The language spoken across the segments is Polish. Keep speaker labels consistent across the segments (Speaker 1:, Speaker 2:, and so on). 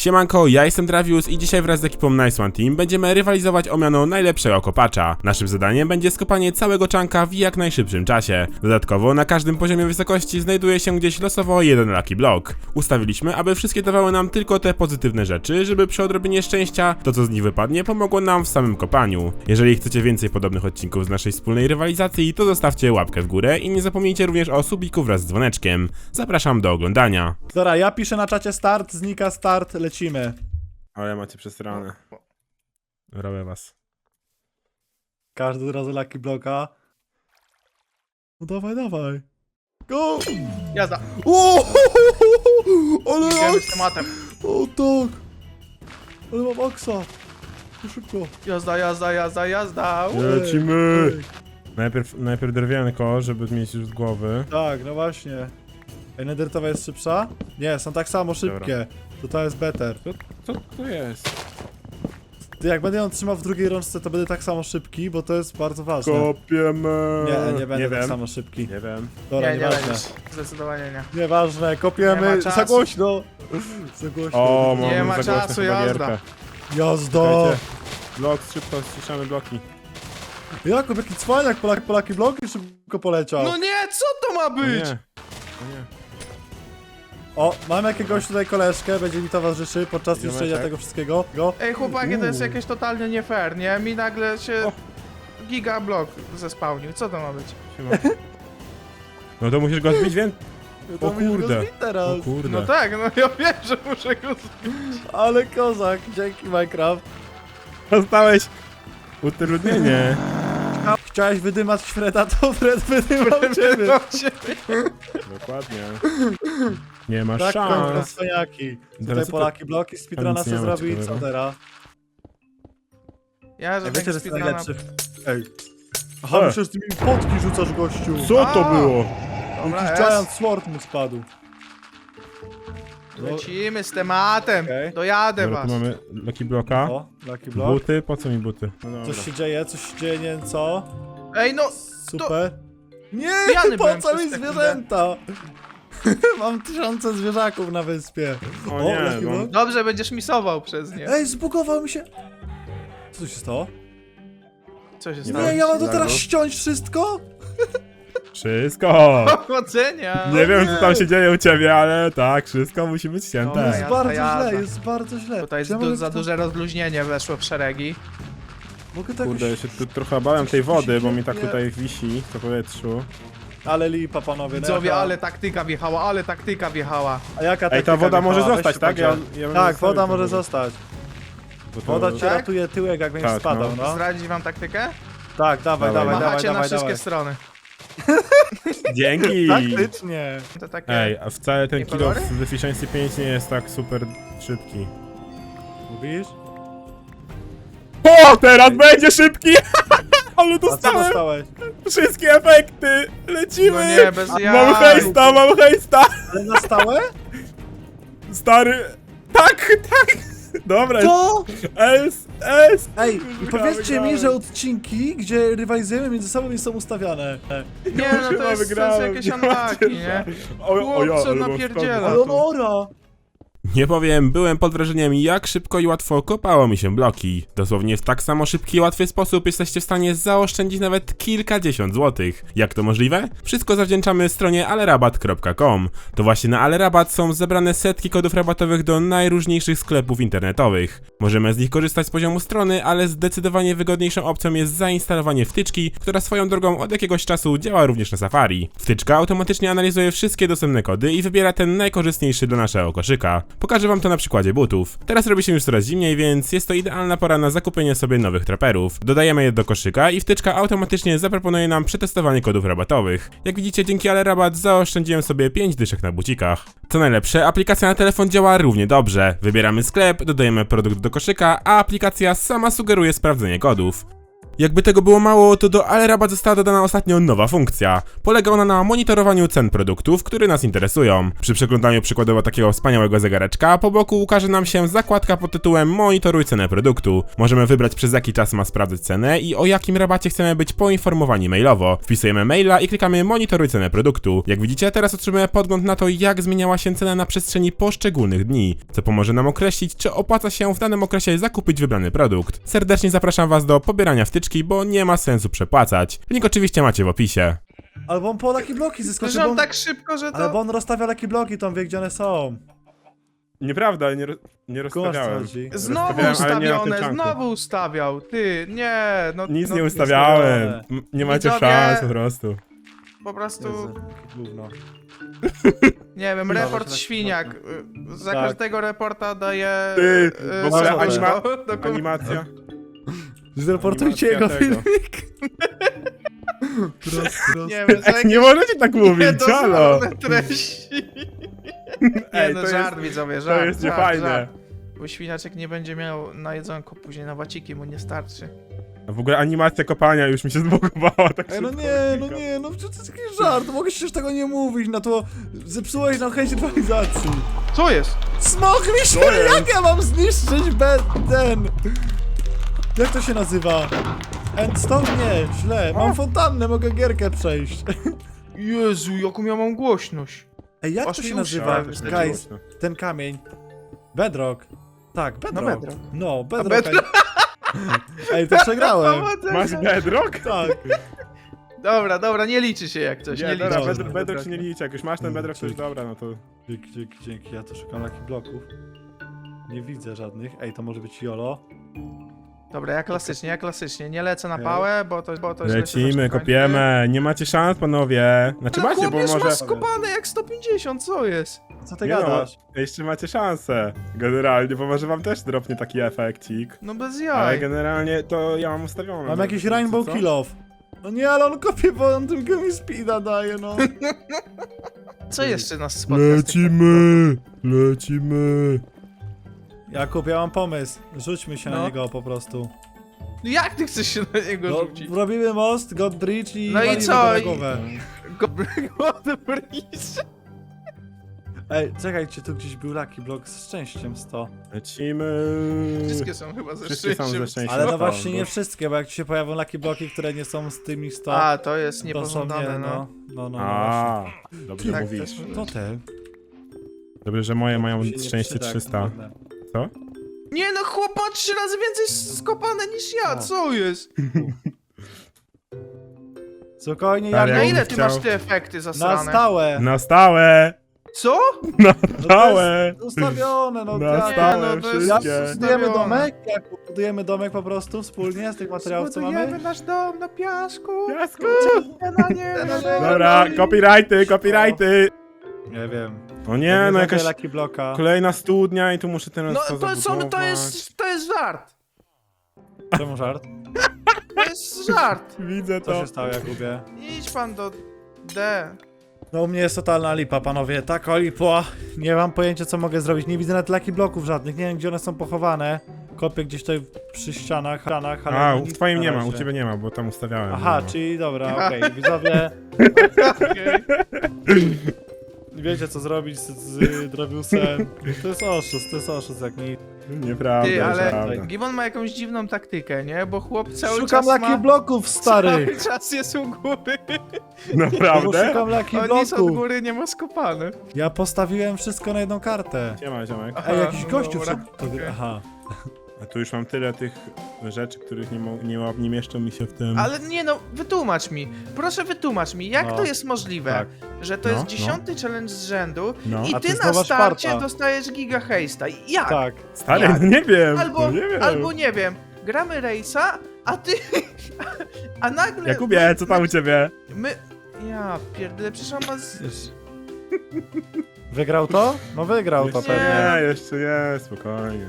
Speaker 1: Siemanko, ja jestem Dravius i dzisiaj wraz z ekipą Nice One Team będziemy rywalizować o miano najlepszego kopacza. Naszym zadaniem będzie skopanie całego chunka w jak najszybszym czasie. Dodatkowo na każdym poziomie wysokości znajduje się gdzieś losowo jeden lucky block. Ustawiliśmy, aby wszystkie dawały nam tylko te pozytywne rzeczy, żeby przy odrobinie szczęścia to co z nich wypadnie pomogło nam w samym kopaniu. Jeżeli chcecie więcej podobnych odcinków z naszej wspólnej rywalizacji, to zostawcie łapkę w górę i nie zapomnijcie również o subiku wraz z dzwoneczkiem. Zapraszam do oglądania.
Speaker 2: Dobra, ja piszę na czacie start, znika start, lecimy.
Speaker 1: Ale macie przesrane. Robię was.
Speaker 2: Każdy razy lucky blocka. No dawaj, dawaj. Go!
Speaker 3: Jazda.
Speaker 2: O! Ale
Speaker 3: Idziemy z
Speaker 2: aks!
Speaker 3: tematem.
Speaker 2: O tak! Ale mam aksa. To szybko.
Speaker 3: Jazda, jazda, jazda, jazda.
Speaker 1: Lecimy!
Speaker 2: Ej.
Speaker 1: Najpierw drewienko, żeby mieć już z głowy.
Speaker 2: Tak, no właśnie. Ej, nedertowa jest szybsza? Nie, są tak samo szybkie. To ta jest better.
Speaker 1: Co to jest?
Speaker 2: Ty, jak będę ją trzymał w drugiej rączce, to będę tak samo szybki, bo to jest bardzo ważne.
Speaker 1: Kopiemy!
Speaker 2: Nie będę tak
Speaker 1: wiem.
Speaker 2: samo szybki.
Speaker 1: Nie wiem.
Speaker 2: Dobra,
Speaker 3: Nie, nie
Speaker 2: nieważne.
Speaker 3: będziesz. Zdecydowanie nie.
Speaker 2: Nieważne,
Speaker 3: Nie
Speaker 2: kopiemy
Speaker 3: ma czasu.
Speaker 2: za głośno. Za głośno.
Speaker 1: O,
Speaker 3: Nie
Speaker 1: mamy
Speaker 3: ma
Speaker 1: za głośno
Speaker 3: czasu,
Speaker 1: chyba
Speaker 3: jazda.
Speaker 1: gierkę.
Speaker 2: Jazda!
Speaker 1: Czekajcie. Blok, szybko ściszamy bloki.
Speaker 2: Jakub, jaki cwaniak, Polaki bloki szybko poleciał.
Speaker 3: No nie, co to ma
Speaker 1: O
Speaker 3: być?
Speaker 1: nie. O nie.
Speaker 2: O, mam jakiegoś tutaj koleżkę, będzie mi towarzyszy podczas
Speaker 1: Ziomeczek.
Speaker 2: niszczenia tego wszystkiego. Go.
Speaker 3: Ej, chłopaki, to jest jakieś totalnie nie fair, nie? Mi nagle się
Speaker 1: O.
Speaker 3: gigablok zespałnił. Co to ma być?
Speaker 1: Siema. No to musisz go zbić, więc...
Speaker 2: To
Speaker 1: O
Speaker 2: musisz go
Speaker 1: kurde.
Speaker 2: zbić teraz.
Speaker 1: O kurde.
Speaker 3: No tak, no ja wiem, że muszę go
Speaker 2: Ale kozak, dzięki Minecraft.
Speaker 1: Dostałeś utrudnienie.
Speaker 2: Chciałeś wydymać Freda, to Fred wydymał ciebie.
Speaker 1: Dokładnie. Nie masz
Speaker 2: Tak, kończą
Speaker 1: szans.
Speaker 2: cwaniaki. Tutaj
Speaker 1: Teraz
Speaker 2: Polaki bloki, speedruna
Speaker 1: nic nie
Speaker 2: se
Speaker 1: ma
Speaker 2: zrobi i co
Speaker 1: ciekawego.
Speaker 2: teraz?
Speaker 3: Ja, że
Speaker 2: Ej,
Speaker 3: tak
Speaker 2: wiecie, że jest
Speaker 3: speedruna...
Speaker 2: najlepszy. Ej. Aha, myślę, że ty mi potki rzucasz, gościu.
Speaker 1: Co to
Speaker 3: A!
Speaker 1: było?
Speaker 3: Dobra,
Speaker 2: Jakiś
Speaker 3: jest.
Speaker 2: giant sword mu spadł.
Speaker 3: Lecimy z tematem.
Speaker 2: Okej.
Speaker 3: Dojadę
Speaker 1: Dobra,
Speaker 3: was.
Speaker 1: tu mamy Lucky Blocka.
Speaker 2: O, lucky block.
Speaker 1: Buty? Po co mi buty? No dobra.
Speaker 2: Coś się dzieje, nie wiem co.
Speaker 3: Ej, no,
Speaker 2: Super. Nie,
Speaker 3: Pijany
Speaker 2: po
Speaker 3: byłem
Speaker 2: co mi
Speaker 3: przez sekundę.
Speaker 2: zwierzęta? Mam 1000 zwierzaków na wyspie.
Speaker 1: O nie,
Speaker 2: lucky
Speaker 1: no.
Speaker 2: block.
Speaker 3: dobrze, będziesz misował przez nie.
Speaker 2: Ej, zbugował mi się. Co tu się stało?
Speaker 3: Co się
Speaker 1: Nie
Speaker 3: stało?
Speaker 2: Nie, ja mam to teraz
Speaker 1: Zaraz.
Speaker 2: ściąć wszystko?
Speaker 1: Wszystko!
Speaker 3: Powodzenia!
Speaker 1: Nie wiem co tam się dzieje u ciebie, ale tak, wszystko musi być
Speaker 2: Jest
Speaker 3: Dobra,
Speaker 1: ścięte.
Speaker 3: ja-
Speaker 2: bardzo
Speaker 3: jazda.
Speaker 2: źle, jest bardzo źle.
Speaker 3: Tutaj jest
Speaker 2: Czy ja mogę
Speaker 3: za
Speaker 2: to-
Speaker 3: duże rozluźnienie weszło w szeregi.
Speaker 2: Mogę tak
Speaker 1: Kurde, ja
Speaker 2: już...
Speaker 1: się tu trochę bałem tej wody, bo mi tak
Speaker 2: Nie.
Speaker 1: tutaj wisi w powietrzu.
Speaker 2: Ale lipa, panowie. no
Speaker 3: Widzowie,
Speaker 2: jaka-
Speaker 3: ale taktyka wjechała, ale taktyka wjechała.
Speaker 2: A jaka
Speaker 1: Ej, ta
Speaker 2: taktyka
Speaker 1: woda może
Speaker 2: wjechała?
Speaker 1: zostać,
Speaker 2: Weź
Speaker 1: tak?
Speaker 2: się podziel.
Speaker 1: bym
Speaker 2: Tak,
Speaker 1: zostawił
Speaker 2: woda
Speaker 1: tę
Speaker 2: może
Speaker 1: wodę.
Speaker 2: zostać.
Speaker 1: Bo to-
Speaker 2: Woda cię
Speaker 3: Tak?
Speaker 2: ratuje tyłek, jak będziesz
Speaker 1: Tak,
Speaker 2: spadał,
Speaker 1: no.
Speaker 2: no.
Speaker 3: Zdradzić wam taktykę?
Speaker 2: Tak, dawaj, dawaj, dawaj,
Speaker 3: Machacie na
Speaker 2: dawaj,
Speaker 3: wszystkie
Speaker 2: dawaj.
Speaker 3: strony.
Speaker 1: Dzięki!
Speaker 2: Taktycznie.
Speaker 3: To takie...
Speaker 1: Ej, a wcale ten
Speaker 3: Nie
Speaker 1: kilo
Speaker 3: kolory?
Speaker 1: w Efficiency 5 nie jest tak super szybki.
Speaker 2: Mówisz?
Speaker 1: O, teraz będzie szybki! Ale
Speaker 2: A co
Speaker 1: dostałem
Speaker 2: dostałeś?
Speaker 1: wszystkie efekty! Lecimy!
Speaker 3: No nie, bez jaj.
Speaker 1: Mam hejsta, mam hejsta!
Speaker 2: Ale na stałe?
Speaker 1: Stary... Tak, tak! Dobra,
Speaker 2: To?
Speaker 1: S.
Speaker 2: Ej, i
Speaker 1: Wygrałem,
Speaker 2: powiedzcie mi,
Speaker 1: wygrałem.
Speaker 2: że odcinki, gdzie rywalizujemy między sobą, nie są ustawiane.
Speaker 3: Nie, no to jest sens jakieś unlucky, nie? Chłopcze napierdziela.
Speaker 2: Ale Leonora!
Speaker 1: Nie powiem, byłem pod wrażeniem, jak szybko i łatwo kopało mi się bloki. Dosłownie w tak samo szybki i łatwy sposób jesteście w stanie zaoszczędzić nawet kilkadziesiąt złotych. Jak to możliwe? Wszystko zawdzięczamy stronie alerabat.com. To właśnie na Alerabat są zebrane setki kodów rabatowych do najróżniejszych sklepów internetowych. Możemy z nich korzystać z poziomu strony, ale zdecydowanie wygodniejszą opcją jest zainstalowanie wtyczki, która swoją drogą od jakiegoś czasu działa również na Safari. Wtyczka automatycznie analizuje wszystkie dostępne kody i wybiera ten najkorzystniejszy dla naszego koszyka. Pokażę wam to na przykładzie butów. Teraz robi się już coraz zimniej, więc jest to idealna pora na zakupienie sobie nowych traperów. Dodajemy je do koszyka i wtyczka automatycznie zaproponuje nam przetestowanie kodów rabatowych. Jak widzicie, dzięki Alerabat zaoszczędziłem sobie 5 dyszek na bucikach. Co najlepsze, aplikacja na telefon działa równie dobrze. Wybieramy sklep, dodajemy produkt do koszyka, a aplikacja sama sugeruje sprawdzenie kodów. Jakby tego było mało, to do AleRabat została dodana ostatnio nowa funkcja. Polega ona na monitorowaniu cen produktów, które nas interesują. Przy przeglądaniu przykładowo takiego wspaniałego zegareczka, po boku ukaże nam się zakładka pod tytułem Monitoruj cenę produktu. Możemy wybrać, przez jaki czas ma sprawdzać cenę i o jakim rabacie chcemy być poinformowani mailowo. Wpisujemy maila i klikamy Monitoruj cenę produktu. Jak widzicie, teraz otrzymujemy podgląd na to, jak zmieniała się cena na przestrzeni poszczególnych dni, co pomoże nam określić, czy opłaca się w danym okresie zakupić wybrany produkt. Serdecznie zapraszam Was do pobierania wtyczki, bo nie ma sensu przepłacać. Link oczywiście macie w opisie.
Speaker 2: Albo on po Lucky Bloki zyskoczy,
Speaker 3: Że
Speaker 2: bo
Speaker 3: on
Speaker 2: on...
Speaker 3: tak szybko, że
Speaker 2: Ale
Speaker 3: to...
Speaker 2: bo on rozstawia Lucky Bloki, to on wie, gdzie one są.
Speaker 1: Nieprawda, nie
Speaker 2: rozstawiałem. chodzi.
Speaker 3: Znowu
Speaker 1: Rozstawiałem, ale nie na tym
Speaker 3: ustawione,
Speaker 1: czanku.
Speaker 3: znowu ustawiał. Ty, nie, no...
Speaker 1: Nic
Speaker 3: no,
Speaker 1: nie ustawiałem. Nie macie
Speaker 3: Widzowie-
Speaker 1: szans po prostu.
Speaker 3: Po prostu,
Speaker 2: Jezu, gówno.
Speaker 3: nie wiem,
Speaker 2: Dobra,
Speaker 3: report
Speaker 2: tak,
Speaker 3: świniak. Za
Speaker 2: Tak.
Speaker 3: każdego reporta daje...
Speaker 1: Ty, w ogóle
Speaker 3: serduszko.
Speaker 1: Animacja.
Speaker 2: Zreportujcie jego
Speaker 1: Animacja tego.
Speaker 2: filmik. Prost.
Speaker 3: Nie wiem, że
Speaker 1: Nie możecie tak mówić, halo!
Speaker 3: niedozwolone treści.
Speaker 1: Ej,
Speaker 3: Nie no,
Speaker 1: to
Speaker 3: żart
Speaker 1: jest,
Speaker 3: widzowie,
Speaker 1: to
Speaker 3: żart,
Speaker 1: jest
Speaker 3: żart,
Speaker 1: niefajne.
Speaker 3: żart. Bo świniaczek nie będzie miał na jedzonko, później na waciki mu nie starczy.
Speaker 1: A w ogóle animacja kopania już mi się zbugowała, tak
Speaker 2: Ej, no
Speaker 1: szybko
Speaker 2: nie,
Speaker 1: wynika.
Speaker 2: no przecież to jest jakiś żart, mogę się już tego nie mówić, na to zepsułeś nam chęć rywalizacji.
Speaker 3: Co jest?
Speaker 2: Smok mi się,
Speaker 1: To jest.
Speaker 2: jak ja mam zniszczyć ten? Jak to się nazywa? Endstone? Nie, źle, mam fontannę, mogę gierkę przejść.
Speaker 3: Jezu, jaką ja mam głośność.
Speaker 2: Ej, jak
Speaker 3: Aż
Speaker 2: to
Speaker 3: mi
Speaker 2: się
Speaker 3: uszy
Speaker 2: nazywa,
Speaker 3: wystyczyły.
Speaker 2: guys, ten kamień? Bedrock. Tak, Bedrock.
Speaker 3: Bedrock.
Speaker 2: No, Bedrock.
Speaker 3: Bedrock.
Speaker 2: Ej, to przegrałem.
Speaker 1: Masz bedrock?
Speaker 2: Tak.
Speaker 3: Dobra, nie liczy się jak coś, nie
Speaker 1: Nie,
Speaker 3: liczy
Speaker 1: dobra,
Speaker 3: się.
Speaker 1: bedrock się nie liczy, jak już masz ten bedrock, to już dobra, no to...
Speaker 2: Dzięki, ja to szukam Lucky Bloków. Nie widzę żadnych. Ej, to może być YOLO.
Speaker 3: Dobra, ja klasycznie, nie lecę na pałę, bo to źle się
Speaker 1: Lecimy,
Speaker 3: zacznie
Speaker 1: kopiemy, nie macie szans, panowie. Znaczy
Speaker 3: kończyć.
Speaker 1: macie, bo
Speaker 3: Chłopiec
Speaker 1: może...
Speaker 3: ma skopane jak 150, co jest?
Speaker 2: Co ty
Speaker 1: Nie no,
Speaker 2: gadasz?
Speaker 1: jeszcze macie szansę, generalnie, bo może wam też dropnie taki efekcik.
Speaker 3: No bez
Speaker 1: Ale
Speaker 3: jaj.
Speaker 1: generalnie to ja mam ustawione.
Speaker 2: Mam jakiś
Speaker 1: Co?
Speaker 2: Rainbow Kill Off. No nie, ale on kopie, bo on tylko mi speeda daje, no.
Speaker 3: Co jeszcze nas spotka? z tych
Speaker 1: Lecimy.
Speaker 2: Jakub, ja mam pomysł. Rzućmy się na
Speaker 3: No.
Speaker 2: niego po prostu.
Speaker 3: No jak ty chcesz się na niego
Speaker 2: No,
Speaker 3: rzucić?
Speaker 2: robimy most, God Bridge i
Speaker 3: No i
Speaker 2: walimy
Speaker 3: co?
Speaker 2: go na
Speaker 3: I-
Speaker 2: głowę.
Speaker 3: God Breeze.
Speaker 2: Ej, czekajcie, tu gdzieś był Lucky Block z szczęściem 100.
Speaker 1: Lecimy.
Speaker 3: Wszystkie są chyba ze
Speaker 1: Wszystkie są ze
Speaker 3: szczęściem.
Speaker 1: szczęściem.
Speaker 2: Ale no
Speaker 1: to,
Speaker 2: właśnie
Speaker 1: bo-
Speaker 2: nie wszystkie, bo jak ci się pojawią Lucky Bloki, które nie są z tymi 100,
Speaker 3: A, to jest
Speaker 2: to są
Speaker 3: niepożądane,
Speaker 2: nie,
Speaker 3: no.
Speaker 2: no.
Speaker 1: A, dobrze
Speaker 3: Tak,
Speaker 1: mówisz.
Speaker 3: też może
Speaker 2: To
Speaker 3: być.
Speaker 2: te.
Speaker 1: Dobrze, że moje mają
Speaker 2: Się nie
Speaker 1: szczęście
Speaker 2: przyda,
Speaker 1: 300.
Speaker 2: kurde.
Speaker 1: Co?
Speaker 3: Nie no, chłop ma 3 razy więcej skopane niż ja,
Speaker 2: No.
Speaker 3: co jest?
Speaker 2: Spokojnie,
Speaker 1: Stary,
Speaker 2: ja
Speaker 3: Na
Speaker 1: ja
Speaker 3: ile
Speaker 1: bym
Speaker 3: ty
Speaker 1: chciał-
Speaker 3: masz te efekty
Speaker 2: na
Speaker 3: zasrane?
Speaker 2: stałe.
Speaker 1: Na stałe!
Speaker 3: Co?
Speaker 1: Na stałe!
Speaker 2: Ustawione, no
Speaker 1: Na
Speaker 2: tak.
Speaker 1: stałe
Speaker 3: no to jest-
Speaker 1: wszystkie.
Speaker 2: Budujemy
Speaker 3: Ustawione.
Speaker 2: domek? Jak budujemy domek po prostu wspólnie z tych materiałów, co
Speaker 3: Zbudujemy
Speaker 2: mamy?
Speaker 3: nasz dom na piasku.
Speaker 1: Piasku!
Speaker 3: Na niebie.
Speaker 1: Dobra, copyrighty!
Speaker 2: Nie wiem.
Speaker 1: O nie, no jakaś
Speaker 2: Lucky Blocka.
Speaker 1: kolejna studnia i tu muszę teraz
Speaker 3: No
Speaker 1: to
Speaker 3: to
Speaker 1: zabudować.
Speaker 3: to jest żart.
Speaker 2: Czemu żart?
Speaker 3: To jest żart.
Speaker 1: Widzę
Speaker 2: Co
Speaker 1: to.
Speaker 2: się stało, Jakubie?
Speaker 3: Idź pan do D.
Speaker 2: No u mnie jest totalna lipa, panowie. Taka lipa. Nie mam pojęcia, co mogę zrobić. Nie widzę nawet Lucky Bloków żadnych. Nie wiem, gdzie one są pochowane. Kopię gdzieś tutaj przy ścianach, ale
Speaker 1: A,
Speaker 2: nic
Speaker 1: w twoim
Speaker 2: na
Speaker 1: nie ma,
Speaker 2: razie.
Speaker 1: u ciebie nie ma, bo tam ustawiałem.
Speaker 2: Aha,
Speaker 1: nie ma.
Speaker 2: czyli dobra, okej. Widzowie,
Speaker 3: Okej.
Speaker 2: wiecie co zrobić z Draviusem. To jest oszust jak nic.
Speaker 1: Nieprawda,
Speaker 3: Ty, ale
Speaker 1: nieprawda.
Speaker 3: Gibbon ma jakąś dziwną taktykę, nie? Bo chłop cały
Speaker 2: Szukam
Speaker 3: czas
Speaker 2: Lucky
Speaker 3: ma...
Speaker 2: Bloków, stary!
Speaker 3: Cały czas jest u góry.
Speaker 2: Bo
Speaker 1: Naprawdę?
Speaker 2: szukam Lucky
Speaker 3: On nic od
Speaker 2: Bloków.
Speaker 3: góry nie ma skopane.
Speaker 2: Ja postawiłem wszystko na jedną kartę.
Speaker 1: Siema, ziomek.
Speaker 3: Aha,
Speaker 2: Ej, jakiś
Speaker 3: no
Speaker 2: gościu
Speaker 3: dobra,
Speaker 2: wszedł do gry.
Speaker 3: okej.
Speaker 2: Aha.
Speaker 1: A tu już mam tyle tych rzeczy, których nie mieszczą mi się w tym.
Speaker 3: Ale nie no, wytłumacz mi. Proszę wytłumacz mi, jak
Speaker 2: No.
Speaker 3: to jest możliwe,
Speaker 2: Tak.
Speaker 3: że to
Speaker 1: No,
Speaker 3: jest
Speaker 1: no.
Speaker 3: 10. challenge z rzędu
Speaker 1: No.
Speaker 3: i
Speaker 2: A
Speaker 3: ty
Speaker 2: to jest
Speaker 3: na
Speaker 2: nowa
Speaker 3: starcie
Speaker 2: Sparta.
Speaker 3: dostajesz giga hejsta. Jak?
Speaker 2: Tak.
Speaker 1: Stary,
Speaker 3: Jak?
Speaker 1: no nie wiem,
Speaker 3: Albo,
Speaker 1: no nie wiem.
Speaker 3: albo nie wiem, gramy rejsa, a ty... A nagle...
Speaker 1: Jakubie, co tam u ciebie?
Speaker 3: My... Ja pierdolę, przecież on ma z...
Speaker 2: Wygrał to? No wygrał to
Speaker 1: Jeszcze
Speaker 2: pewnie.
Speaker 1: nie, jeszcze nie, spokojnie.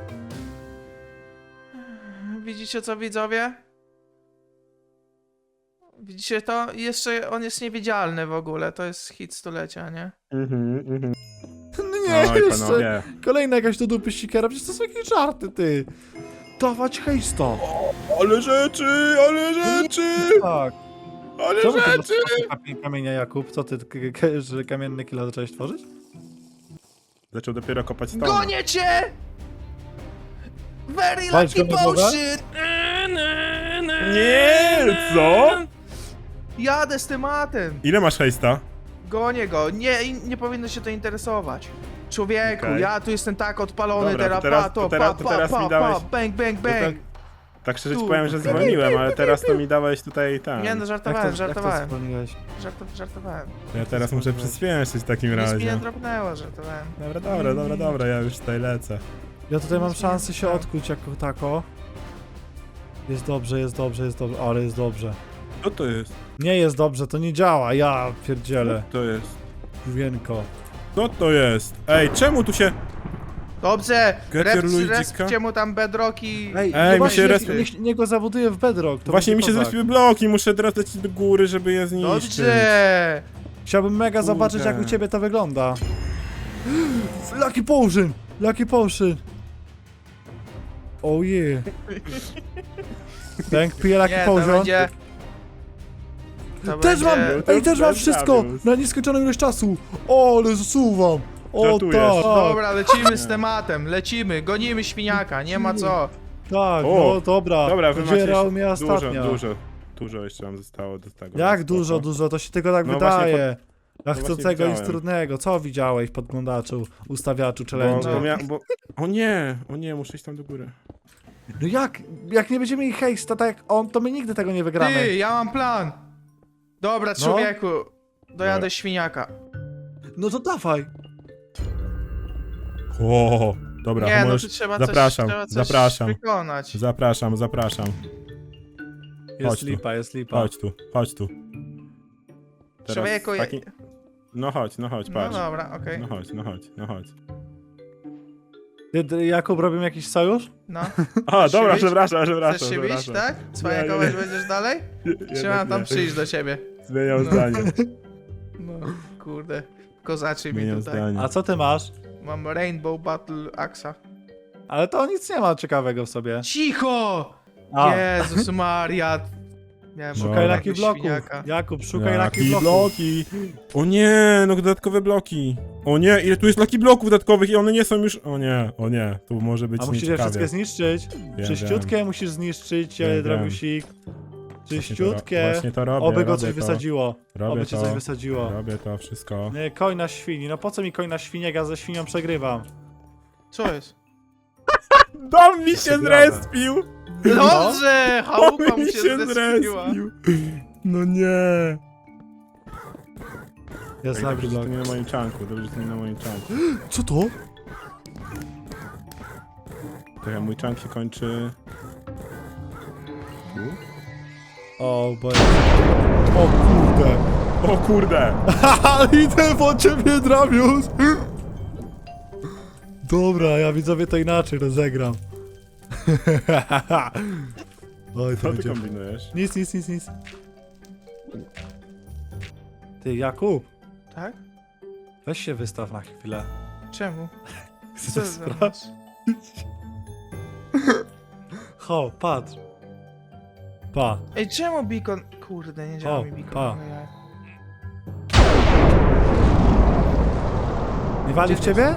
Speaker 3: Widzicie co, widzowie? Widzicie to? Jeszcze on jest niewidzialny w ogóle, to jest hit stulecia, nie?
Speaker 2: No nie,
Speaker 1: Oj,
Speaker 2: jeszcze.
Speaker 1: panowie.
Speaker 2: Kolejna jakaś do dupy sikera, przecież to są jakieś żarty, ty. dawać hejsta.
Speaker 1: Ale rzeczy, ale rzeczy,
Speaker 2: Tak.
Speaker 1: ale
Speaker 2: Czemu ty
Speaker 1: rzeczy!
Speaker 2: masz kamienia, Jakub? Co ty, że kamienny kilo zacząłeś tworzyć?
Speaker 1: Zaczął dopiero kopać stone.
Speaker 3: Gonię cię! Very
Speaker 2: Walcz
Speaker 3: lucky
Speaker 2: go na głowę?
Speaker 3: potion!
Speaker 1: Nie, co?
Speaker 3: Jadę z tematem.
Speaker 1: Ile masz hejsta?
Speaker 3: Gonię go. Nie powinno się to interesować. Człowieku,
Speaker 1: Okej.
Speaker 3: ja tu jestem tak odpalony
Speaker 1: Dobra, to
Speaker 3: teraz,
Speaker 1: teraz- to teraz mi dałeś-
Speaker 3: bang, bang,
Speaker 1: To tak,
Speaker 3: bang.
Speaker 1: tak szczerze ci
Speaker 3: Tu.
Speaker 1: powiem, że zwolniłem, ale teraz to mi dałeś tutaj tam.
Speaker 3: Nie no, żartowałem,
Speaker 2: Jak to
Speaker 3: żartowałem.
Speaker 2: zwolniłeś?
Speaker 3: Żartowałem.
Speaker 1: Ja teraz muszę przyspieszyć w takim
Speaker 3: Nic mi nie
Speaker 1: razie.
Speaker 3: dropnęło, żartowałem.
Speaker 1: Dobra, ja już tutaj lecę.
Speaker 2: Ja tutaj mam szansę się odkuć jako tako. Jest dobrze, ale jest dobrze.
Speaker 1: Co to jest?
Speaker 2: Nie jest dobrze, to nie działa, ja pierdzielę.
Speaker 1: Co to jest?
Speaker 2: Wienko.
Speaker 1: Co to jest? Ej, czemu tu się...
Speaker 3: Dobrze,
Speaker 1: Get your Luigi'ka.
Speaker 3: respcie mu tam bedrocki.
Speaker 1: Ej,
Speaker 2: no
Speaker 1: mi
Speaker 2: właśnie,
Speaker 1: się
Speaker 2: niech go zabuduje w bedrock. To
Speaker 1: Właśnie mi
Speaker 2: będzie
Speaker 1: się
Speaker 2: kozak.
Speaker 1: zrespiły bloki, muszę teraz lecieć do góry, żeby je zniszczyć.
Speaker 3: Dobrze.
Speaker 2: Chciałbym mega zobaczyć, jak u ciebie to wygląda. Lucky Potion! Lucky Potion! Oh yeah. Tank pije Lucky
Speaker 3: Nie, to
Speaker 2: Potion.
Speaker 3: będzie... To
Speaker 2: Też mam!
Speaker 3: będzie...
Speaker 2: Ej, też mam
Speaker 1: bez
Speaker 2: wszystko!
Speaker 1: Davius.
Speaker 2: Na nieskończoną ilość czasu! O, ale zasuwam! O,
Speaker 1: Żartujesz.
Speaker 2: tak!
Speaker 3: Dobra, lecimy z tematem, lecimy, gonimy świniaka, nie ma co.
Speaker 2: Tak,
Speaker 1: O,
Speaker 2: no dobra.
Speaker 1: Dobra, wy macie
Speaker 2: Zbierał mnie
Speaker 1: jeszcze
Speaker 2: ostatnio.
Speaker 1: dużo jeszcze nam zostało do tego.
Speaker 2: Jak
Speaker 1: Spoko.
Speaker 2: dużo, to się tylko tak
Speaker 1: No
Speaker 2: wydaje. Dla
Speaker 1: właśnie
Speaker 2: chcącego nic
Speaker 1: widziałem.
Speaker 2: trudnego. Co widziałeś, podglądaczu, ustawiaczu,
Speaker 1: Bo,
Speaker 2: challenge?
Speaker 1: O nie, muszę iść tam do góry.
Speaker 2: No jak nie będziemy mieli hejsta tak jak on, to my nigdy tego nie wygramy.
Speaker 3: Ty, ja mam plan. Dobra,
Speaker 2: No.
Speaker 3: człowieku, dojadę
Speaker 1: Dobra.
Speaker 3: świniaka.
Speaker 2: No to dawaj.
Speaker 1: O, dobra,
Speaker 3: Nie, no
Speaker 1: możesz...
Speaker 3: tu trzeba
Speaker 1: zapraszam,
Speaker 3: coś
Speaker 1: zapraszam.
Speaker 3: wykonać.
Speaker 1: Zapraszam.
Speaker 2: Jest
Speaker 1: Chodź tu.
Speaker 2: lipa, jest lipa.
Speaker 1: Chodź tu. Teraz
Speaker 3: Człowieku,
Speaker 1: taki... No chodź,
Speaker 3: No
Speaker 1: patrz.
Speaker 3: dobra, okej.
Speaker 1: No chodź.
Speaker 2: Jakub, robimy jakiś sojusz?
Speaker 3: No.
Speaker 1: A, dobra,
Speaker 3: bić?
Speaker 1: przepraszam.
Speaker 3: Chcesz się bić, tak?
Speaker 1: Nie,
Speaker 3: Cwaniakować
Speaker 1: nie.
Speaker 3: będziesz dalej? Czy
Speaker 1: Jednak
Speaker 3: mam tam
Speaker 1: nie.
Speaker 3: przyjść do ciebie?
Speaker 1: Zmieniam
Speaker 3: No.
Speaker 1: zdanie.
Speaker 3: No, kurde. Kozaczy mi
Speaker 1: Zmieniam
Speaker 3: tutaj.
Speaker 1: zdanie.
Speaker 2: A co ty masz?
Speaker 3: Mam Rainbow Battle Axa.
Speaker 2: Ale to nic nie ma ciekawego w sobie.
Speaker 3: Cicho!
Speaker 2: A.
Speaker 3: Jezus Maria. Miałem
Speaker 2: Szukaj
Speaker 1: Dobra.
Speaker 2: Lucky bloków.
Speaker 3: świniaka.
Speaker 2: Jakub, szukaj Lucky
Speaker 1: Lucky
Speaker 2: bloków.
Speaker 1: bloki. O nie, no dodatkowe bloki. O nie, ile tu jest Lucky bloków dodatkowych i one nie są już... O nie, tu może być
Speaker 2: A musisz je
Speaker 1: nieciekawie.
Speaker 2: wszystkie zniszczyć. Czyściutkie musisz zniszczyć,
Speaker 1: Wiem,
Speaker 2: Drabiusik. Czyściutkie.
Speaker 1: Właśnie to robię,
Speaker 2: Oby go
Speaker 1: robię
Speaker 2: coś
Speaker 1: to.
Speaker 2: wysadziło.
Speaker 1: Robię
Speaker 2: Oby cię
Speaker 1: to.
Speaker 2: coś wysadziło.
Speaker 1: Robię to wszystko.
Speaker 2: Nie, koń na świni. No po co mi koń na świni, jak ja ze świnią przegrywam?
Speaker 3: Co jest?
Speaker 1: Dom mi się
Speaker 2: Przegrałem.
Speaker 1: zrespił!
Speaker 3: Dobrze! Chałupa
Speaker 1: Dom
Speaker 3: mu
Speaker 1: mi
Speaker 3: się
Speaker 1: się
Speaker 3: zrespiła.
Speaker 1: zrespił! No nie!
Speaker 2: Jest
Speaker 1: Dobrze,
Speaker 2: Lucky
Speaker 1: że to
Speaker 2: block.
Speaker 1: nie na moim czanku, dobrze, że to nie na moim czanku.
Speaker 2: Co to?
Speaker 1: Trochę mój czank się kończy... Tu?
Speaker 2: O, bo... O kurde.
Speaker 1: O kurde!
Speaker 2: Haha, idę po ciebie, Drabius! Dobra, ja widzowie to inaczej rozegram. Oj, to
Speaker 1: Co ty
Speaker 2: będzie...
Speaker 1: kombinujesz?
Speaker 2: Nic. Ty, Jakub,
Speaker 3: Tak?
Speaker 2: weź się wystaw na chwilę.
Speaker 3: Czemu?
Speaker 2: Chcę
Speaker 3: Co
Speaker 2: to
Speaker 3: za
Speaker 2: sprawdzić. Ho, patrz. Pa.
Speaker 3: Ej, czemu beacon... Kurde, nie działa
Speaker 2: O,
Speaker 3: mi beacon.
Speaker 2: pa.
Speaker 3: Ojej.
Speaker 2: Nie wali w ciebie?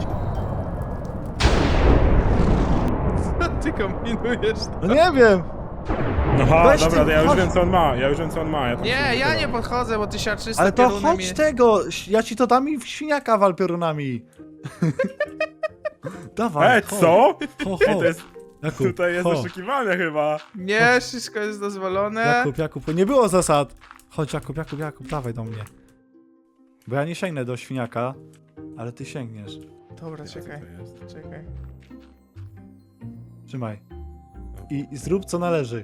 Speaker 3: Co ty kombinujesz?
Speaker 2: No nie wiem.
Speaker 1: Aha,
Speaker 2: Weź
Speaker 1: dobra,
Speaker 2: ty,
Speaker 1: to ja już
Speaker 2: chodź.
Speaker 1: wiem co on ma, Ja tam
Speaker 3: Nie,
Speaker 1: się
Speaker 3: ja nie
Speaker 1: ukryłem.
Speaker 3: podchodzę, bo ty siarczysta
Speaker 2: Ale to
Speaker 3: piorunem
Speaker 2: chodź tego, ja ci to dam i w świniaka wal piorunami. Dawaj,
Speaker 1: Ej,
Speaker 2: chodź.
Speaker 1: co?
Speaker 2: Ho,
Speaker 1: Ej,
Speaker 2: ho.
Speaker 1: to jest...
Speaker 2: Jakub,
Speaker 1: Tutaj jest
Speaker 2: ho.
Speaker 1: oszukiwane chyba.
Speaker 3: Nie, wszystko jest dozwolone.
Speaker 2: Jakub, nie było zasad. Chodź, Jakub, dawaj do mnie. Bo ja nie sięgnę do świniaka, ale ty sięgniesz.
Speaker 3: Dobra,
Speaker 1: Co
Speaker 3: czekaj,
Speaker 1: to jest?
Speaker 3: czekaj.
Speaker 2: Trzymaj. I zrób co należy.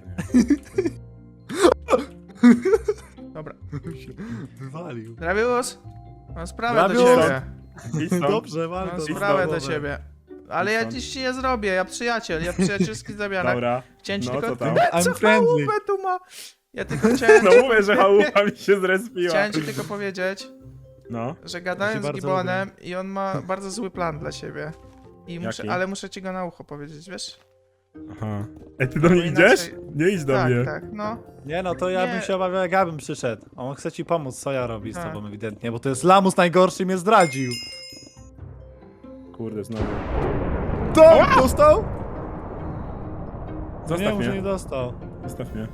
Speaker 3: Dobra.
Speaker 2: Wywalił.
Speaker 3: Drabius? Mam sprawę do
Speaker 2: Drabius!
Speaker 3: ciebie.
Speaker 1: Idź stąd.
Speaker 2: Dobrze, wal
Speaker 3: Mam
Speaker 2: to.
Speaker 3: sprawę do
Speaker 2: Dobra.
Speaker 3: ciebie. Ale ja
Speaker 1: stąd.
Speaker 3: dziś ci nie zrobię, ja przyjaciel, ja przyjacielski zamianek.
Speaker 1: Dobra.
Speaker 3: Chciałem ci
Speaker 1: No,
Speaker 3: tylko...
Speaker 1: co tam?
Speaker 2: I'm
Speaker 3: Co
Speaker 2: friendly.
Speaker 3: chałupę tu ma? Ja tylko chciałem...
Speaker 1: No mówię, że chałupa mi się zrespiła.
Speaker 3: Chciałem ci tylko powiedzieć,
Speaker 1: No.
Speaker 3: że gadałem z
Speaker 2: bardzo
Speaker 3: Gibonem i on ma bardzo zły plan dla siebie. I
Speaker 1: Jaki?
Speaker 3: ale muszę ci go na ucho powiedzieć, wiesz?
Speaker 1: Aha. Ej, ty do mnie
Speaker 3: Bo
Speaker 1: idziesz?
Speaker 3: inaczej-
Speaker 1: Nie idź do
Speaker 3: Tak,
Speaker 1: mnie.
Speaker 3: tak, no.
Speaker 2: Nie no, to ja bym
Speaker 3: Nie.
Speaker 2: się obawiał, jak ja bym przyszedł. On chce ci pomóc, co ja robię z
Speaker 3: Tak.
Speaker 2: tobą ewidentnie, bo to jest lamus najgorszy i mnie zdradził.
Speaker 1: Kurde, znowu.
Speaker 2: To! Dostał? Nie,
Speaker 1: Zostaw
Speaker 2: może nie
Speaker 1: mnie.
Speaker 2: dostał.
Speaker 1: Zostaw mnie.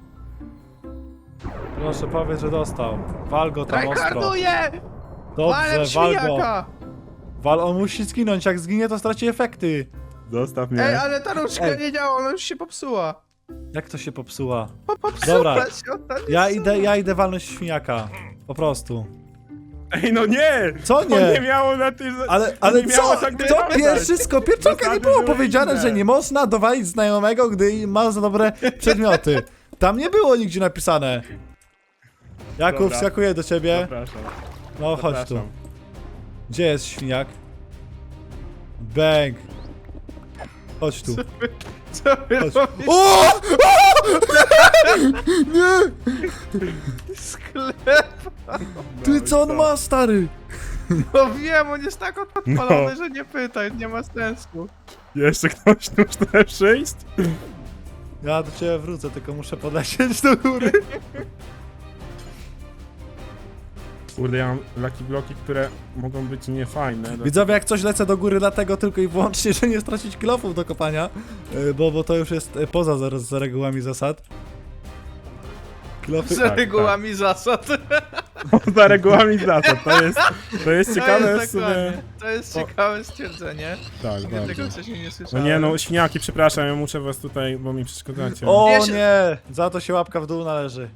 Speaker 2: Proszę, powiedz, że dostał. Wal go tam ostro.
Speaker 3: Tryharduję!
Speaker 2: Dobrze,
Speaker 3: Walem
Speaker 2: wal go.
Speaker 3: świniaka!
Speaker 2: Wal, on musi zginąć, jak zginie to straci efekty.
Speaker 1: Zostaw mnie.
Speaker 3: Ej, ale ta różdżka
Speaker 2: Ej.
Speaker 3: nie działa, ona już się popsuła.
Speaker 2: Jak to się popsuła?
Speaker 3: Popsuła
Speaker 2: Dobra.
Speaker 3: się, ona nie
Speaker 2: Ja idę walnąć świniaka. Po prostu.
Speaker 1: Ej, no nie!
Speaker 2: Co
Speaker 1: To nie
Speaker 2: nie?
Speaker 1: miało na tym...
Speaker 2: Ale
Speaker 1: nie miało
Speaker 2: co?
Speaker 1: tak
Speaker 2: To
Speaker 1: wyglądać.
Speaker 2: pierwszy skopierczaka nie
Speaker 1: Zasady
Speaker 2: było
Speaker 1: były
Speaker 2: powiedziane,
Speaker 1: inne.
Speaker 2: że nie można dowalić znajomego, gdy ma za dobre przedmioty. Tam nie było nigdzie napisane. Jakub,
Speaker 1: Dobra.
Speaker 2: wskakuję do ciebie.
Speaker 1: Zapraszam.
Speaker 2: No chodź tu.
Speaker 1: Zapraszam.
Speaker 2: Gdzie jest świniak? Bang. Chodź tu.
Speaker 3: Co wy
Speaker 2: Chodź.
Speaker 3: robicie?
Speaker 2: O! Nie!
Speaker 3: Sklep!
Speaker 2: Ty co on ma, stary?
Speaker 3: No wiem, on jest tak odpalony, że nie pytaj, nie ma sensu.
Speaker 1: Jeszcze ktoś tu chce przyjść?
Speaker 2: Ja do ciebie wrócę, tylko muszę podlecieć do góry.
Speaker 1: Kurde, ja mam lucky bloki, które mogą być niefajne.
Speaker 2: Widzowie, jak coś lecę do góry dlatego tylko i wyłącznie, że nie stracić kilofów do kopania, bo to już jest poza za regułami zasad. Kilofy...
Speaker 3: Z
Speaker 1: tak.
Speaker 3: regułami zasad.
Speaker 1: Za regułami zasad, to jest ciekawe
Speaker 3: to
Speaker 1: w
Speaker 3: jest
Speaker 1: sumie.
Speaker 3: dokładnie. To jest ciekawe stwierdzenie.
Speaker 1: Tak,
Speaker 3: Ja
Speaker 1: bardzo.
Speaker 3: tego wcześniej nie
Speaker 1: No
Speaker 3: słyszałem.
Speaker 1: nie no, świniaki, przepraszam, ja muszę was tutaj, bo mi przeszkadzacie.
Speaker 2: O
Speaker 3: Ja się-
Speaker 2: nie! Za to się łapka w dół należy.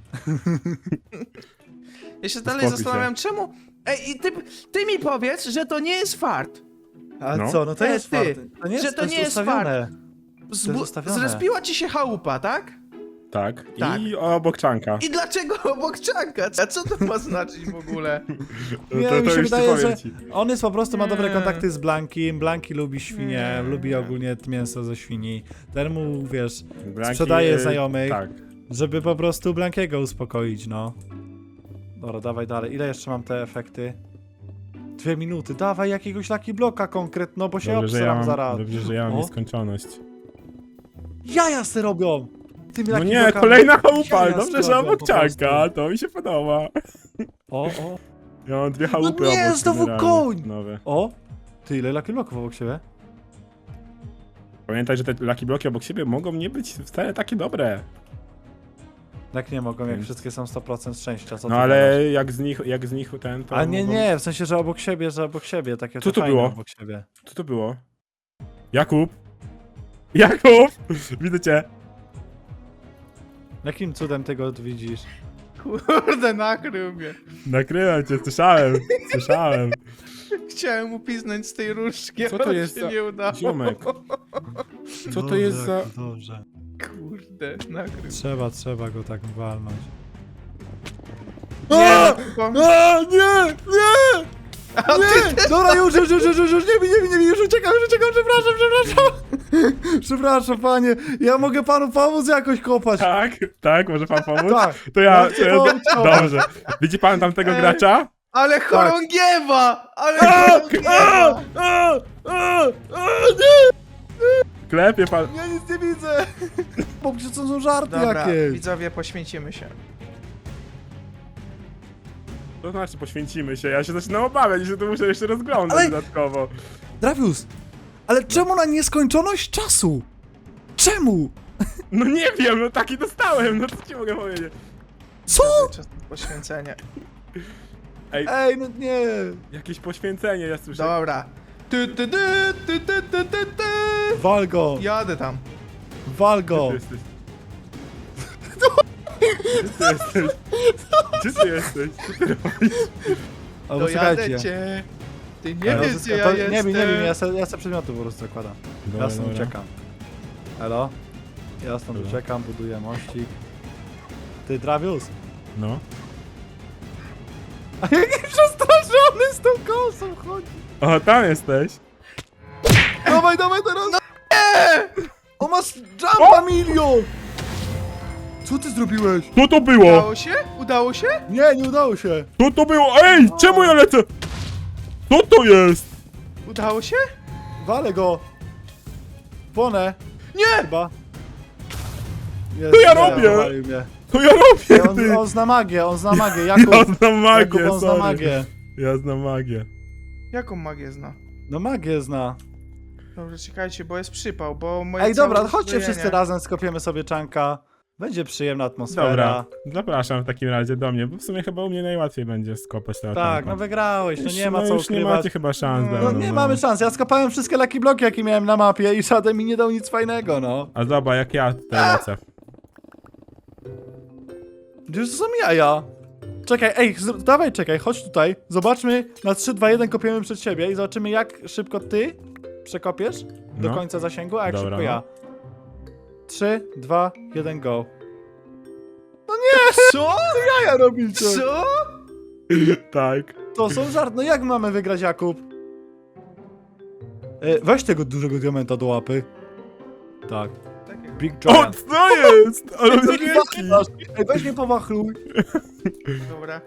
Speaker 3: Ja się dalej
Speaker 1: Uspokój
Speaker 3: zastanawiam, czemu... Ej, i ty mi powiedz, że to nie jest fart.
Speaker 2: A
Speaker 1: No.
Speaker 2: co, no to
Speaker 3: Ej,
Speaker 2: jest
Speaker 3: ty,
Speaker 2: fart. To nie
Speaker 3: że
Speaker 2: jest,
Speaker 3: to nie jest
Speaker 2: ustawione.
Speaker 3: Zbu-
Speaker 2: ustawione.
Speaker 3: zrespiła ci się chałupa, tak?
Speaker 1: Tak.
Speaker 3: Tak.
Speaker 1: I obok czanka.
Speaker 3: I dlaczego obok czanka? A co to ma znaczyć w ogóle?
Speaker 2: Nie,
Speaker 1: to
Speaker 2: mi się
Speaker 1: już ci
Speaker 2: wydaje,
Speaker 1: powiem
Speaker 2: że
Speaker 1: ci.
Speaker 2: on jest po prostu, ma dobre
Speaker 3: Nie.
Speaker 2: kontakty z Blankim. Blanki lubi świnie,
Speaker 3: Nie.
Speaker 2: lubi ogólnie mięso ze świni. Ten mu, wiesz,
Speaker 1: Braki,
Speaker 2: sprzedaje znajomych.
Speaker 1: Tak.
Speaker 2: żeby po prostu Blankiego uspokoić, no. Dobra, dawaj dalej. Ile jeszcze mam te efekty? 2 minuty. Dawaj jakiegoś Lucky Bloka konkretno, bo się
Speaker 1: Dobrze, że ja
Speaker 2: obsram
Speaker 1: mam,
Speaker 2: zaraz.
Speaker 1: dobrze, że ja mam
Speaker 2: O.
Speaker 1: nieskończoność.
Speaker 2: Jaja se robią! Tymi
Speaker 1: No
Speaker 2: Lucky
Speaker 1: nie,
Speaker 2: Blokami.
Speaker 1: kolejna chałupa,
Speaker 2: Jaja
Speaker 1: dobrze,
Speaker 2: se
Speaker 1: że
Speaker 2: robią
Speaker 1: obok
Speaker 2: po
Speaker 1: czanka,
Speaker 2: prostu.
Speaker 1: to mi się podoba.
Speaker 2: O.
Speaker 1: Ja mam 2 chałupy
Speaker 2: nie,
Speaker 1: obok
Speaker 2: znowu
Speaker 1: generalnie,
Speaker 2: koń!
Speaker 1: nowe.
Speaker 2: O! Ty, ile Lucky Bloków obok siebie?
Speaker 1: Pamiętaj, że te lucky bloki obok siebie mogą nie być wcale takie dobre.
Speaker 2: Jak nie mogą, jak
Speaker 1: Więc-
Speaker 2: wszystkie są 100% szczęścia, co
Speaker 1: No
Speaker 2: ty
Speaker 1: ale
Speaker 2: gadasz?
Speaker 1: jak z nich ten, to
Speaker 2: A nie,
Speaker 1: mogą...
Speaker 2: nie, w sensie, że obok siebie, takie
Speaker 1: Co to
Speaker 2: fajne
Speaker 1: było?
Speaker 2: obok siebie.
Speaker 1: Co to było? Jakub? Jakub! Widzę cię.
Speaker 2: Jakim cudem ty go widzisz?
Speaker 3: Kurde, nakrył mnie.
Speaker 1: Nakrywam cię, słyszałem, słyszałem.
Speaker 3: Chciałem mu piznąć z tej różdżki,
Speaker 1: Co to
Speaker 3: ale
Speaker 1: jest
Speaker 3: się
Speaker 1: za
Speaker 3: nie udało.
Speaker 1: ziomek? Co to jest za...
Speaker 2: Dobrze.
Speaker 3: Kurde, nakrył.
Speaker 2: Trzeba go tak walnąć.
Speaker 3: Nie,
Speaker 2: Nie!
Speaker 3: a ty
Speaker 2: Nie! Dobra, już, nie bij, już uciekam, przepraszam. Przepraszam, panie, ja mogę panu pomóc jakoś kopać.
Speaker 1: Tak, może pan pomóc?
Speaker 2: Tak.
Speaker 1: To ja...
Speaker 2: chcę pomóc.
Speaker 1: Dobrze. Widzi pan tamtego
Speaker 3: Ej.
Speaker 1: gracza?
Speaker 3: ale chorągiewa! Ale
Speaker 2: Tak.
Speaker 3: chorągiewa!
Speaker 1: Klepie pan...
Speaker 2: Ja nic nie widzę. Bo przecież to są żarty
Speaker 3: Dobra,
Speaker 2: jakieś.
Speaker 3: widzowie, poświęcimy się.
Speaker 1: To znaczy poświęcimy się, ja się zaczynam obawiać, że to muszę jeszcze rozglądać
Speaker 2: Ale-
Speaker 1: dodatkowo.
Speaker 2: Dravius, ale czemu na nieskończoność czasu? Czemu?
Speaker 1: No nie wiem, no taki dostałem, no co ci mogę powiedzieć?
Speaker 2: Co?
Speaker 3: Czas na poświęcenie.
Speaker 2: Ej, no nie.
Speaker 1: Jakieś poświęcenie, ja słyszę.
Speaker 3: Dobra. Ty.
Speaker 2: Wal go,
Speaker 3: Jadę tam.
Speaker 2: wal
Speaker 1: Gdzie
Speaker 2: go.
Speaker 1: ty jesteś? Gdzie ty jesteś? Co ty robisz?
Speaker 2: Albo
Speaker 3: Dojadę
Speaker 2: czekajcie.
Speaker 3: cię. Ty nie
Speaker 2: Ale
Speaker 3: wiesz,
Speaker 2: to-
Speaker 3: gdzie ja
Speaker 2: to-
Speaker 3: jestem.
Speaker 2: Nie wiem, ja se przedmioty po prostu zakładam. Ja stąd uciekam. Elo? Ja stąd
Speaker 1: Dobra.
Speaker 2: uciekam, buduję mościk. Ty, Dravius?
Speaker 1: No.
Speaker 2: A jaki przestraszony z tą kosą chodzi.
Speaker 1: O, tam jesteś.
Speaker 2: Dawaj teraz! No nie! O, masz jumpa milion! Co ty zrobiłeś?
Speaker 1: Co to było?
Speaker 3: Udało się? Udało się?
Speaker 2: Nie udało się.
Speaker 1: Co to było? Ej, czemu ja lecę? Co to jest?
Speaker 3: Udało się?
Speaker 2: Walę go. Płonę.
Speaker 3: Nie!
Speaker 2: Chyba. Jest,
Speaker 1: To ja
Speaker 2: nie,
Speaker 1: robię!
Speaker 2: powalił mnie.
Speaker 1: To ja robię,
Speaker 2: On,
Speaker 1: ty!
Speaker 2: on zna magię, Jakub.
Speaker 1: Ja znam magię,
Speaker 2: Jakub, on zna
Speaker 1: sorry.
Speaker 2: magię.
Speaker 1: Ja znam magię.
Speaker 3: Jaką magię zna?
Speaker 2: No magię zna.
Speaker 3: Dobrze, czekajcie, bo jest przypał, bo moje
Speaker 2: Ej,
Speaker 3: całe
Speaker 2: dobra, chodźcie
Speaker 3: uzbrojenie-
Speaker 2: wszyscy razem, skopiemy sobie czanka. Będzie przyjemna atmosfera.
Speaker 1: Dobra, zapraszam w takim razie do mnie, bo w sumie chyba u mnie najłatwiej będzie skopać na
Speaker 2: Tak, no wygrałeś, no nie ma
Speaker 1: no
Speaker 2: co
Speaker 1: już nie
Speaker 2: ukrywać.
Speaker 1: macie chyba szans.
Speaker 3: No,
Speaker 2: No
Speaker 1: dawno,
Speaker 2: nie mamy szans, ja skopałem wszystkie Lucky Bloki, jakie miałem na mapie i żaden mi nie dał nic fajnego, no.
Speaker 1: A zobacz, jak ja tutaj lecę.
Speaker 2: Gdzież to są jaja? Czekaj, ej, dawaj, czekaj, chodź tutaj. Zobaczmy, na 3, 2, 1 kopiemy przed siebie i zobaczymy, jak szybko ty przekopiesz do
Speaker 1: No.
Speaker 2: końca zasięgu, a jak
Speaker 1: Dobra,
Speaker 2: szybko
Speaker 1: no.
Speaker 2: ja. 3, 2, 1, go.
Speaker 3: Co?
Speaker 2: Jaja robicie!
Speaker 3: Co?
Speaker 1: Tak.
Speaker 2: To są żart, no jak mamy wygrać, Jakub? Weź tego dużego diamenta do łapy. Tak.
Speaker 3: Takiego.
Speaker 2: Big
Speaker 1: O,
Speaker 2: Giant.
Speaker 1: co jest? Ale on jest wielki.
Speaker 2: Ej, weź mnie powachluj.
Speaker 3: Dobra.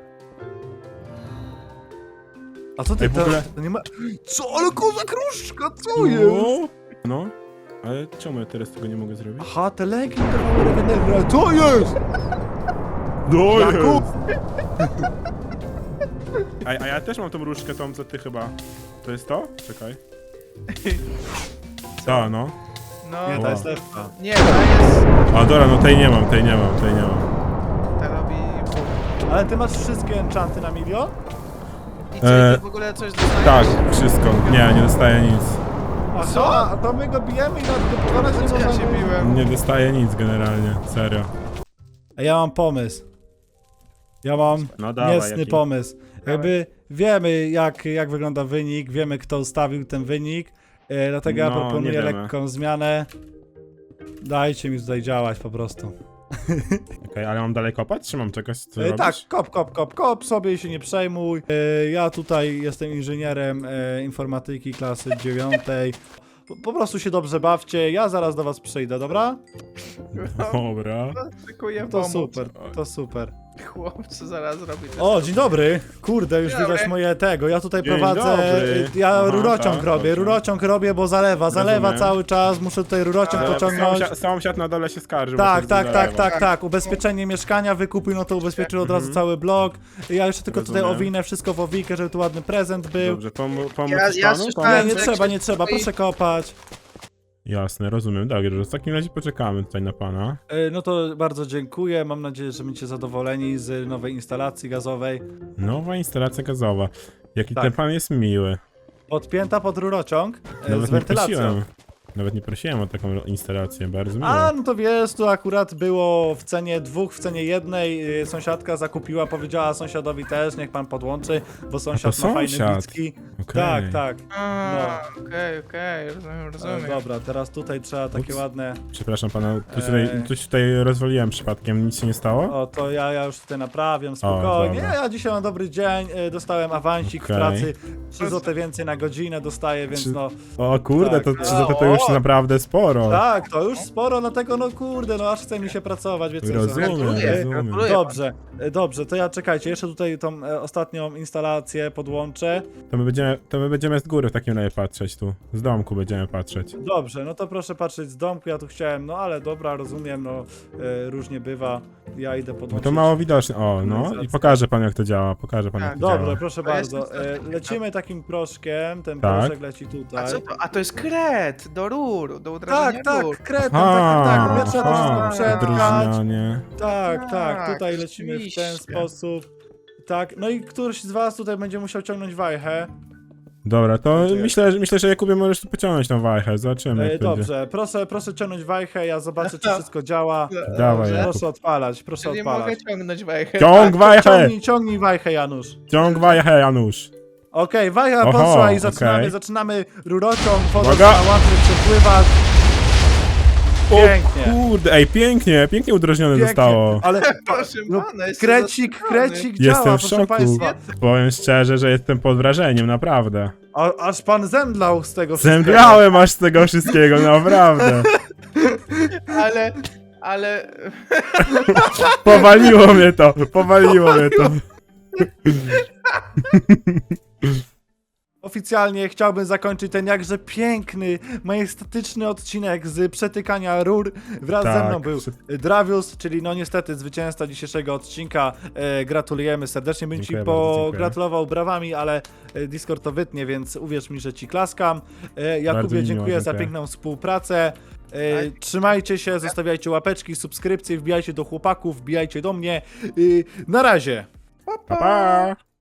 Speaker 2: A co ty
Speaker 1: Ej, w ogóle-
Speaker 2: to nie ma... Co? Ale koza kruszka, co jest?
Speaker 1: No. No. Ale czemu ja teraz tego nie mogę zrobić?
Speaker 2: Aha, te leki dawały regenerację. Co jest?
Speaker 1: No
Speaker 2: Jakub!
Speaker 1: A ja też mam tą różdżkę tą, co ty chyba. To jest to? Czekaj. Ta, no.
Speaker 3: No,
Speaker 2: Nie,
Speaker 1: Wow.
Speaker 2: to jest lepsza.
Speaker 3: nie, to jest...
Speaker 1: A dobra, no tej nie mam.
Speaker 3: To robi...
Speaker 2: Ale ty masz wszystkie enchanty na milion?
Speaker 3: I co, ty w ogóle coś dostajesz?
Speaker 1: Tak, wszystko. Nie dostaję nic.
Speaker 2: Aha,
Speaker 3: Co?
Speaker 2: a to my go bijemy i na go pokonać nie
Speaker 3: Co ja się
Speaker 2: możemy.
Speaker 3: biłem?
Speaker 1: Nie dostaję nic generalnie, serio.
Speaker 2: A ja mam pomysł. Ja mam
Speaker 1: No dawaj,
Speaker 2: niecny
Speaker 1: jaki?
Speaker 2: pomysł. Jakby wiemy jak wygląda wynik, wiemy kto ustawił ten wynik, dlatego ja
Speaker 1: No,
Speaker 2: proponuję
Speaker 1: nie wiemy.
Speaker 2: lekką zmianę. Dajcie mi tutaj działać po prostu.
Speaker 1: Okej, ale mam dalej kopać, czy mam czegoś, co robić?
Speaker 2: Tak, kop sobie i się nie przejmuj. Ja tutaj jestem inżynierem informatyki klasy 9. Po prostu się dobrze bawcie, ja zaraz do was przyjdę, dobra?
Speaker 1: Dobra.
Speaker 3: Szykuję
Speaker 2: To
Speaker 3: pomoc.
Speaker 2: super, to super.
Speaker 3: Chłopcu zaraz robi te
Speaker 2: O, dzień dobry. Kurde, już
Speaker 3: Dzień dobry.
Speaker 2: widać moje tego. Ja tutaj
Speaker 1: Dzień
Speaker 2: prowadzę.
Speaker 1: dobry.
Speaker 2: Ja
Speaker 1: Aha,
Speaker 2: rurociąg
Speaker 1: tak,
Speaker 2: robię.
Speaker 1: dobrze.
Speaker 2: Rurociąg robię, bo zalewa
Speaker 1: Rozumiem.
Speaker 2: cały czas. Muszę tutaj rurociąg pociągnąć.
Speaker 1: Sąsiad na dole się skarży.
Speaker 2: Tak,
Speaker 1: bo coś zalewa.
Speaker 2: tak. Ubezpieczenie mieszkania wykupił, no to ubezpieczył od razu cały blok. Ja jeszcze tylko tutaj
Speaker 1: Rozumiem.
Speaker 2: owinę wszystko w owikę, żeby tu ładny prezent był.
Speaker 1: Dobrze, pomóc
Speaker 3: Ja
Speaker 1: ci panu?
Speaker 3: słyszałem,
Speaker 2: Nie
Speaker 3: że
Speaker 2: trzeba,
Speaker 3: jak
Speaker 2: nie
Speaker 3: się
Speaker 2: trzeba,
Speaker 3: stoi-
Speaker 2: proszę kopać.
Speaker 1: Jasne, rozumiem. Dobrze, w takim razie poczekamy tutaj na pana.
Speaker 2: No to bardzo dziękuję. Mam nadzieję, że będziecie zadowoleni z nowej instalacji gazowej.
Speaker 1: Nowa instalacja gazowa. Jaki
Speaker 2: Tak.
Speaker 1: ten pan jest miły.
Speaker 2: Podpięta pod rurociąg z
Speaker 1: Nawet nie
Speaker 2: wentylacją.
Speaker 1: prosiłem. Nawet nie prosiłem o taką instalację, bardzo miło.
Speaker 2: A, no to wiesz, tu akurat było w cenie dwóch, w cenie jednej. Sąsiadka zakupiła, powiedziała sąsiadowi też, niech pan podłączy, bo sąsiad
Speaker 1: to
Speaker 2: ma fajne
Speaker 1: sąsiad.
Speaker 2: bicki.
Speaker 1: Okej.
Speaker 2: Tak.
Speaker 3: A, okej,
Speaker 2: Ale
Speaker 3: rozumiem.
Speaker 2: dobra, teraz tutaj trzeba takie
Speaker 1: Ups.
Speaker 2: ładne...
Speaker 1: Przepraszam pana, coś tutaj rozwaliłem przypadkiem, nic się nie stało?
Speaker 2: O, to ja już tutaj naprawiam, spokojnie.
Speaker 1: dobra.
Speaker 2: Ja dzisiaj mam dobry dzień, dostałem awansik
Speaker 1: Okej.
Speaker 2: w pracy, 3 zł więcej na godzinę dostaję, więc
Speaker 1: Czy-
Speaker 2: no...
Speaker 1: O kurde,
Speaker 2: Tak.
Speaker 1: to 3 zł to już
Speaker 2: O!
Speaker 1: naprawdę sporo.
Speaker 2: Tak, to już sporo, dlatego no kurde, no aż chce mi się pracować, wiecie co?
Speaker 1: Rozumiem,
Speaker 3: Gratuluję,
Speaker 1: rozumiem.
Speaker 3: gratuluję.
Speaker 2: Dobrze, to ja czekajcie, jeszcze tutaj tą ostatnią instalację podłączę.
Speaker 1: To my będziemy z góry w takim razie patrzeć tu. Z domku będziemy patrzeć.
Speaker 2: Dobrze, no to proszę patrzeć z domku, ja tu chciałem, no ale dobra, rozumiem, no różnie bywa, ja idę
Speaker 1: No
Speaker 2: podłączyć.
Speaker 1: to mało widoczne. O, no i
Speaker 2: Organizacja.
Speaker 1: pokażę panu jak to działa. Pokażę panu jak
Speaker 3: Tak,
Speaker 1: to
Speaker 2: Dobrze,
Speaker 1: działa.
Speaker 2: proszę
Speaker 3: To jest
Speaker 2: bardzo,
Speaker 3: następny.
Speaker 2: lecimy takim proszkiem, ten
Speaker 1: Tak.
Speaker 2: proszek leci tutaj.
Speaker 3: A co to? A to jest kret do rur, do udrażania
Speaker 2: Tak,
Speaker 3: rur.
Speaker 2: kretą, tak, ja trzeba to
Speaker 1: aha,
Speaker 2: wszystko przetkać.
Speaker 1: drżnianie.
Speaker 2: Tak,
Speaker 3: Tak,
Speaker 2: tutaj lecimy w ten
Speaker 3: oczywiście.
Speaker 2: sposób. Tak, no i któryś z was tutaj będzie musiał ciągnąć wajchę.
Speaker 1: Dobra, to
Speaker 2: Czekaj.
Speaker 1: myślę, że Jakubie możesz tu pociągnąć tą wajchę. Zobaczymy jak będzie.
Speaker 2: Dobrze, proszę ciągnąć wajchę, ja zobaczę czy wszystko działa.
Speaker 1: Dawaj,
Speaker 3: Dobrze.
Speaker 1: Jakub.
Speaker 2: Proszę odpalać, proszę
Speaker 3: Czyli
Speaker 2: odpalać.
Speaker 3: mogę ciągnąć wajchę.
Speaker 1: Ciąg wajchę!
Speaker 2: Ciągnij wajchę, Janusz.
Speaker 1: Ciąg wajchę, Janusz.
Speaker 2: Okej, wajcha
Speaker 1: Oho,
Speaker 2: poszła i
Speaker 1: okej.
Speaker 2: zaczynamy rurociąg, woda
Speaker 1: Uwaga.
Speaker 2: zaczyna łatwiej przepływać. Pięknie.
Speaker 1: Kurde, ej, pięknie udrożnione
Speaker 2: Pięknie,
Speaker 1: zostało.
Speaker 2: ale
Speaker 3: Proszę
Speaker 2: no,
Speaker 3: pana, jestem
Speaker 2: krecik
Speaker 3: zaskoczony.
Speaker 1: Jestem
Speaker 2: działa,
Speaker 1: w
Speaker 2: proszę
Speaker 1: szoku.
Speaker 2: państwa.
Speaker 1: Powiem szczerze, że jestem pod wrażeniem, naprawdę.
Speaker 2: Aż pan zemdlał z tego wszystkiego.
Speaker 1: Zemdlałem aż z tego wszystkiego, naprawdę.
Speaker 3: Ale...
Speaker 1: Powaliło mnie to.
Speaker 2: O, oficjalnie chciałbym zakończyć ten jakże piękny, majestatyczny odcinek z przetykania rur. Wraz ze mną był Dravius, czyli no niestety zwycięzca dzisiejszego odcinka. Gratulujemy serdecznie, bym ci
Speaker 1: Dziękuję bardzo, dziękuję.
Speaker 2: pogratulował brawami, ale Discord to wytnie, więc uwierz mi, że ci klaskam.
Speaker 1: Bardzo
Speaker 2: Jakubie,
Speaker 1: mi miło,
Speaker 2: dziękuję za
Speaker 1: dziękuję.
Speaker 2: piękną współpracę. Trzymajcie się, zostawiajcie łapeczki, subskrypcje, wbijajcie do chłopaków, wbijajcie do mnie. Na razie!
Speaker 1: Pa, pa!